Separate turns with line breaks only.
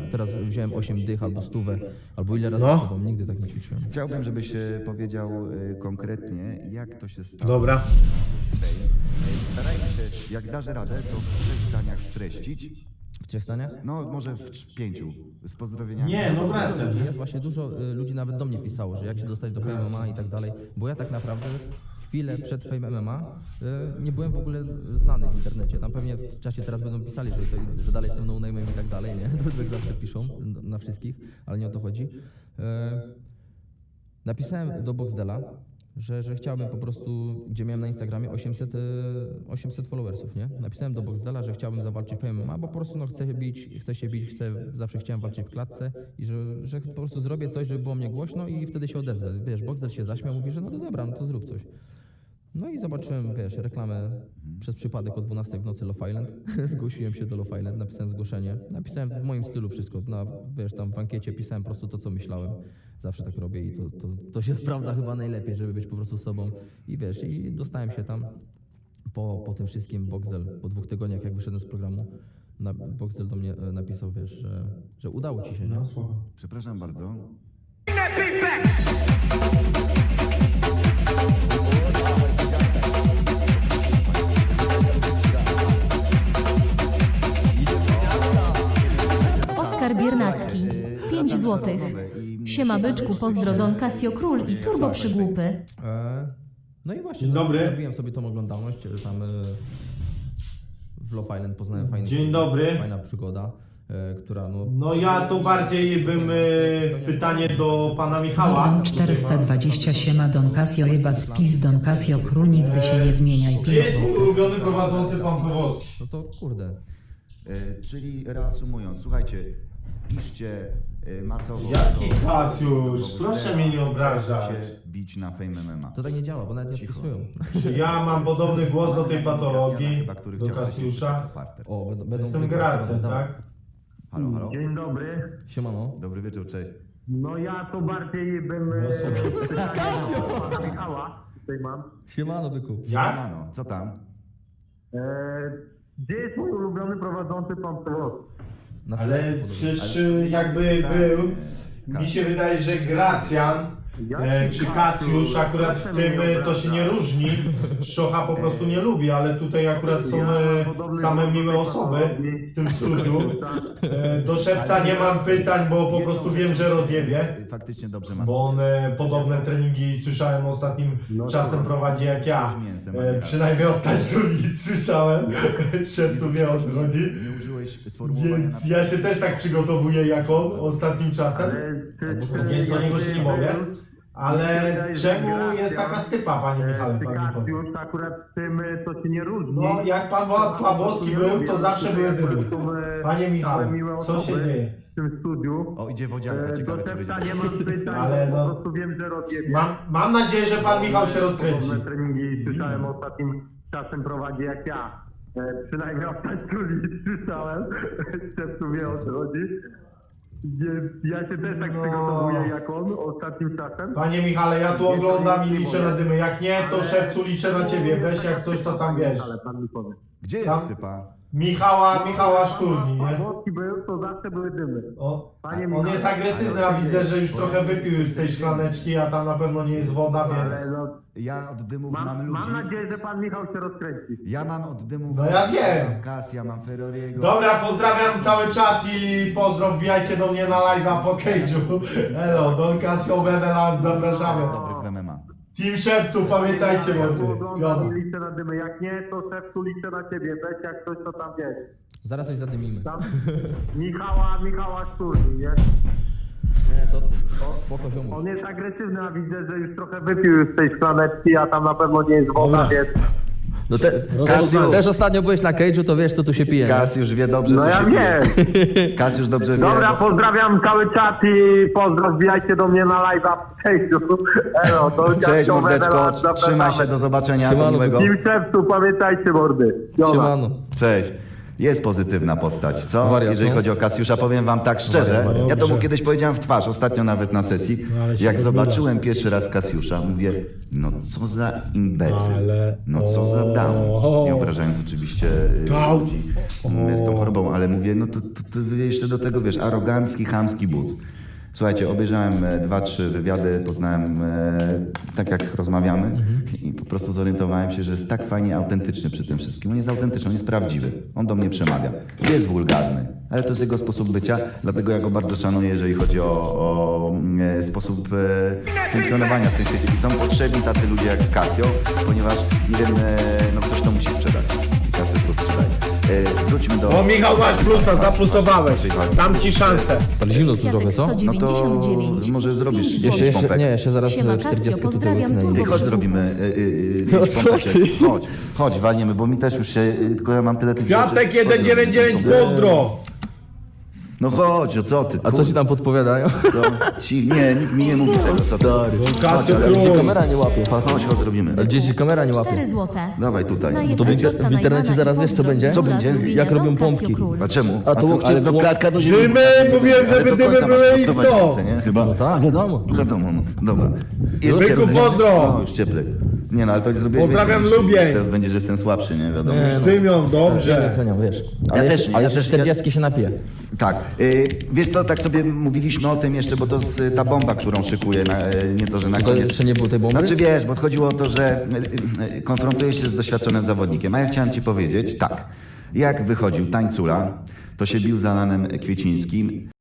teraz wziąłem 8 dych albo 100, albo ile razy
No.
z tobą, nigdy tak nie ćwiczyłem.
Chciałbym, żebyś powiedział konkretnie, jak to się stało.
Dobra.
Staraj się, jak dasz radę, to w 3 zdaniach streścić.
W 3 zdaniach?
No, może w 5. Z pozdrowieniami.
Nie, no
Dużo
wracam.
ludzi jest, właśnie dużo ludzi nawet do mnie pisało, że jak się dostać do Fame MMA i tak dalej, bo ja tak naprawdę chwilę przed Fame MMA nie byłem w ogóle znany w internecie. Tam pewnie w czasie teraz będą pisali, że dalej jestem no-name'em i tak dalej, nie? To tak zawsze piszą na wszystkich, ale nie o to chodzi. Napisałem do Boxdela, że chciałbym po prostu, gdzie miałem na Instagramie 800 followersów, nie? Napisałem do Boxdela, że chciałbym zawalczyć w MMA, bo po prostu no, chcę się bić, zawsze chciałem walczyć w klatce i że po prostu zrobię coś, żeby było mnie głośno i wtedy się odezwę. Wiesz, Boxdel się zaśmiał, mówi, że no to dobra, no to zrób coś. No i zobaczyłem, wiesz, reklamę przez przypadek o 12 w nocy Love Island. Zgłosiłem się do Love Island, napisałem zgłoszenie. Napisałem w moim stylu wszystko, wiesz, tam w ankiecie pisałem po prostu to, co myślałem. Zawsze tak robię i to się sprawdza chyba najlepiej, żeby być po prostu sobą. I wiesz, i dostałem się tam po tym wszystkim. Boxdel, po 2 tygodniach jak wyszedłem z programu, Boxdel do mnie napisał, wiesz, że udało ci się, nie?
Przepraszam bardzo.
Oskar Biernacki, 5 złotych. Siema byczku, pozdro Don Casio Król i Turbo Przygłupy.
No i właśnie,
Dzień dobry.
robiłem sobie tą oglądalność, tam w Love Island poznałem
Dzień dobry.
fajna przygoda, która no...
No ja to bardziej bym pytanie do pana Michała.
Zodon 420 siema Don Casio jebać pis Don Casio Król nigdy się nie zmieniaj
Gdzie
5
jest mój
złotych.
ulubiony prowadzący pan Powolski?
No to kurde,
Czyli reasumując, słuchajcie, piszcie masowo.
Jaki
do-
Kasiusz?
do-
Proszę mnie nie obrażać.
się bić na Fame MMA.
to tak nie działa, bo nawet nie odpisują.
Czy ja mam podobny głos do tej patologii,
Chyba, który
do
chciał
Kasiusza?
Farter.
O, będą
Jestem Gracem, tak?
Halo, halo.
Dzień dobry.
Siemano.
Dobry wieczór, cześć.
No ja to bardziej bym pytanie do pana Michała tutaj mam.
Siemano, byku.
Jak?
Siemano, co tam?
Gdzie jest mój ulubiony prowadzący pan Powolski?
Na
Ale
wstępie
przecież jakby był, mi się wydaje, że Gracjan czy Kasiusz akurat w tym to się nie różni. Szocha po prostu nie lubi, ale tutaj akurat są same miłe osoby w tym studiu. Do szewca nie mam pytań, bo po prostu wiem, że rozjebie.
Faktycznie dobrze ma.
Bo on podobne treningi słyszałem ostatnim czasem prowadzi jak ja. Przynajmniej od tańcownic słyszałem. Szewcu wie o co chodzi.
Nie użyłeś sformułowania
Więc ja się też tak przygotowuję jak on ostatnim czasem. Więc o niego się nie boję. Ale czemu jest taka stypa, panie Michale?
Czy
Pan mi powie?
Kasiusz akurat w tym to się nie różni.
No, jak pan Pawłowski był, to zawsze były dymy. Panie Michale, co się dzieje?
W tym studiu.
O, idzie wodzianka,
Do
ciekawe czy
szewca
będzie.
nie mam pytań,
Ale
bo
no-
po prostu wiem, że rozjebie.
Mam nadzieję, że pan Michał się rozkręci.
Podobne treningi słyszałem ostatnim czasem prowadzi jak ja. Przynajmniej od tańcownic słyszałem. Szewcu wie o co chodzi. Więc ja się też tak
No.
przygotowuję jak on ostatnim czasem.
Panie Michale, ja tu oglądam i liczę na dymy. Jak nie, to szewcu liczę na ciebie. Weź jak coś, to tam wiesz.
Ale pan mi powie.
Gdzie
Tam-
jest typa?
Michała Szturni, nie?
Włoski był, to zawsze były dymy. Panie
On
Michale,
jest agresywny, a widzę, że już trochę wypił z tej szklaneczki, a tam na pewno nie jest woda,
Ale
więc...
no,
Ja od dymów mam ludzi.
mam nadzieję, że pan Michał się rozkręci.
Ja mam od dymów...
No ja wiem.
Kasia, mam Ferrariego.
Dobra, pozdrawiam cały czat i pozdrow, wbijajcie do mnie na live'a po cage'u. Hello, Don Casio Beneland, zapraszamy.
Dobrych w MMA.
Team Szewcu, pamiętajcie,
Ja tu
mordy.
oglądam i liczę na dymy. Jak nie, to szefcu liczę na ciebie. Weź jak coś, to tam wiesz.
Zaraz coś zadymimy.
Tam Michała Szturni, nie?
Nie, to spoko ziomuś.
On jest agresywny, a widzę, że już trochę wypił z tej szklaneczki, a tam na pewno nie jest woda, więc...
No
Kasiusz.
też ostatnio byłeś na cage'u, to wiesz co tu się pije. nie?
Kasiusz wie dobrze,
No
co
ja
się dzieje.
wiem.
Kasiusz dobrze wie.
Dobra, pozdrawiam cały czat i pozdrow, wbijajcie do mnie na live'a w Facebooku. Elo, to
Cześć
Casio
mordeczko,
Beneland,
trzymaj się,
zapraszamy.
do zobaczenia,
Siemano,
miłego.
Team Szewcu, pamiętajcie mordy. Siema.
Siemano.
Cześć. Jest pozytywna postać, co?
Wariat,
Jeżeli
no.
chodzi o Kasiusza, powiem wam tak szczerze, ja to mu
Dobrze.
kiedyś powiedziałem w twarz, ostatnio nawet na sesji,
No, ale się
jak
odbywasz.
zobaczyłem pierwszy raz Kasiusza, mówię, no co za imbecyl,
Ale-
no co za down.
o.
Nie obrażając oczywiście
Down.
ludzi z tą chorobą, ale mówię, no to jeszcze do tego, wiesz, arogancki, chamski but. Słuchajcie, obejrzałem 2-3 wywiady, poznałem tak jak rozmawiamy i po prostu zorientowałem się, że jest tak fajnie autentyczny przy tym wszystkim. On jest autentyczny, on jest prawdziwy. On do mnie przemawia. Jest wulgarny, ale to jest jego sposób bycia, dlatego ja go bardzo szanuję, jeżeli chodzi o sposób funkcjonowania w tym świecie. I są potrzebni tacy ludzie jak Casio, ponieważ nie wiem, no ktoś to musi sprzedać. I Casio to sprzedaje. Wróćmy do...
O, Michał, masz plusa, zaplusowałeś. Dam ci szansę.
Ale zimno tu
Kwiatek
trochę, co?
199.
No to może zrobisz
5
jeszcze
złotych.
pompek.
Jeszcze zaraz
Siema,
40
Casio,
tutaj
pozdrawiam,
łyknę i-
turbo
Ty chodź zrobimy. Chodź, walniemy, bo mi też już się. Tylko ja mam tyle tych
Kwiatek
rzeczy.
199, pozdro!
No chodź, o co ty?
A co ci tam podpowiadają?
Co? Nie, nikt mi nie mówi tego. Co ty?
Casio
ale
Król.
Gdzie kamera nie łapie?
Chodź, zrobimy.
Ale gdzieś kamera nie łapie.
4 złote.
Dawaj tutaj.
Na
No
to w
jednego
w internecie zaraz wiesz, co będzie?
Co będzie?
Jak robią pompki.
A czemu?
A to łokcie-
ale do klatka do ziemi.
Dymy, mówiłem,
Ale
żeby
do
dymy
końca
były
masz
i
prostować
co?
ręce, nie? Chyba.
Tak, wiadomo.
Wiadomo, no. Dobra. Jest
Byku,
cieplej.
pozdro!
No, już cieplej. Nie no, ale to zrobiłeś
Pozdrawiam
więcej niż-
Lubień.
Teraz będzie, że jestem słabszy, nie? Wiadomo.
Dymią,
Nie
dobrze.
oceniam, wiesz.
Ja też nie,
Ale
ja
jeszcze
też-
40 się napije.
Tak. Wiesz co, tak sobie mówiliśmy o tym jeszcze, bo to jest ta bomba, którą szykuję, nie to, że na
To
koniec.
jeszcze nie było tej bomby?
Znaczy wiesz, bo chodziło o to, że konfrontujesz się z doświadczonym zawodnikiem, a ja chciałem ci powiedzieć, tak, jak wychodził tańcula, to się bił z Alanem Kwiecińskim,